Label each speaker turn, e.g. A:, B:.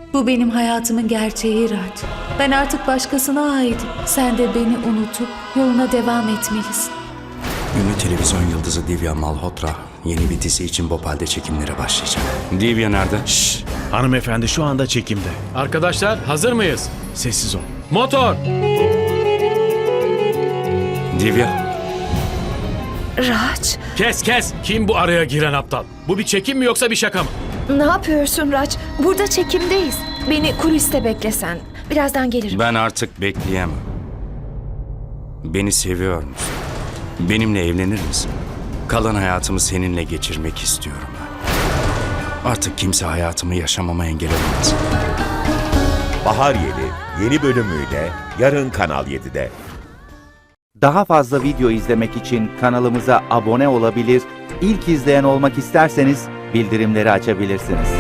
A: Bu benim hayatımın gerçeği Raj. Ben artık başkasına aitim. Sen de beni unutup yoluna devam etmelisin.
B: Ünlü televizyon yıldızı Divya Malhotra yeni bir dizi için Bhopal'de çekimlere başlayacak. Divya nerede?
C: Şşş! Hanımefendi şu anda çekimde.
D: Arkadaşlar hazır mıyız?
C: Sessiz ol.
D: Motor!
B: Divya,
E: Raj,
D: Kes! Kim bu araya giren aptal? Bu bir çekim mi yoksa bir şaka mı?
E: ne yapıyorsun Raj? Burada çekimdeyiz. Beni kuliste beklesen. Birazdan gelirim.
B: ben artık bekleyemem. Beni seviyor musun? Benimle evlenir misin? Kalan hayatımı seninle geçirmek istiyorum ben. Artık kimse hayatımı yaşamama engel olamaz.
F: Bahar yeni bölümüyle yarın Kanal 7'de.
G: Daha fazla video izlemek için kanalımıza abone olabilir, ilk izleyen olmak isterseniz bildirimleri açabilirsiniz.